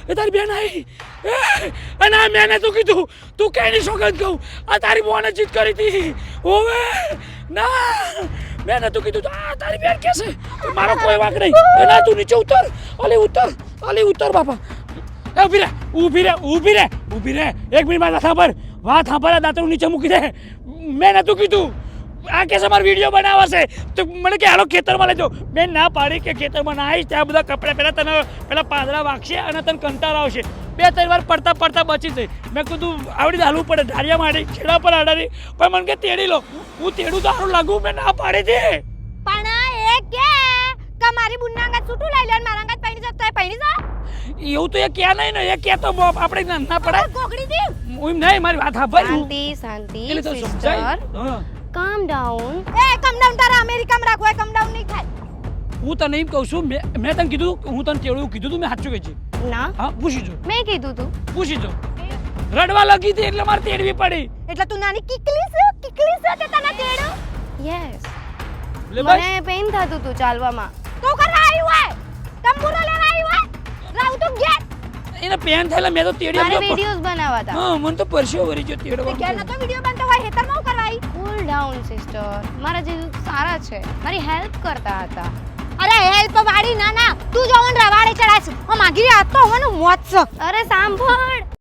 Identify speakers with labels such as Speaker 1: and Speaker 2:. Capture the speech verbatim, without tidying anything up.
Speaker 1: એ તારી બેન આવી અને આ મેને તું કીધું તું કેની સોગંદ કહું આ તારી બોને જીત કરી હતી ઓવે ના મેને તું કીધું આ તારી બેન કેસે મારો કોઈ વાંક નહીં એ ના તું નીચે ઉતર અલે ઉતર અલે ઉતર બાપા એ ઊભી રે ઊભી રે ઊભી રે ઊભી રે એક મિનિટ વાત સાંભળ વાત સાંભળ દાંતરું નીચે મૂકી દે મેં નતું કીધું આ કેસે મારો વિડીયો બનાવશે તો મને કે હાલો ખેતરમાં લેજો મેં ના પાડી કે ખેતરમાં ના આવીશ ત્યાં બધા કપડાં પહેલાં તને પેલા પાંદડા વાગશે અને તને કંટાળો આવશે બે ત્રણ વાર પડતા પડતા બચી જઈ મેં કીધું આવડી હાલવું પડે ધારિયા મારી છેડા પર આડારી પણ મને કે તેડી લો હું તેડું તો સારું લાગુ મેં ના પાડી દે
Speaker 2: પણ એ કે કે મારી બુનના અંગાત છૂટું લઈ લે મારા અંગાત પૈણી જતો એ પૈણી જા
Speaker 1: એવું તો એ ક્યાં નહીં ને એ કે તો આપણે ના પડાય
Speaker 2: કોકડી દી
Speaker 1: હું નહીં મારી વાત સાંભળ
Speaker 3: શાંતિ શાંતિ
Speaker 1: એટલે તો
Speaker 3: સિસ્ટર
Speaker 1: સમજાય હા
Speaker 3: કામ ડાઉન
Speaker 2: એ કમ ડાઉન તારા અમેરિકામાં રાખો એ કમ ડાઉન નહીં થાય
Speaker 1: હું તને એમ કહું છું મેં મેં તને કીધું હું તને તેડું કીધું તું મેં સાચું કહી છે
Speaker 3: ના
Speaker 1: હા પૂછી જો
Speaker 3: મેં કીધું તું
Speaker 1: પૂછી જો રડવા લગી હતી એટલે મારે તેડવી પડી
Speaker 2: એટલે તું નાની કિકલી છે કિકલી છે તે તને તેડો
Speaker 3: યસ
Speaker 1: લે બસ
Speaker 3: મને પેઇન થતું હતું ચાલવામાં
Speaker 2: તો કરવા આવ્યું હોય તંબુરો લેવા આવ્યું હોય રાવ તો ઘેર
Speaker 1: એને પેન થયેલા મેં તો તેડી
Speaker 3: મારે
Speaker 1: આવ્યો
Speaker 3: વિડિયોઝ બનાવવા હતા
Speaker 1: હા મને તો પરસ્યો વરી ગયો
Speaker 2: તે
Speaker 1: તેડવા
Speaker 2: ઘેર નતો વિડિયો બનતો હોય હેતરમાં હું કરવા આવી
Speaker 3: કૂલ ડાઉન સિસ્ટર મારા જે સારા છે મારી હેલ્પ કરતા હતા
Speaker 2: અરે હેલ્પ વાળી ના ના તું જોવન રવાડે ચડાસ હું માગી આ તો હોનું મોત છે
Speaker 3: અરે સાંભળ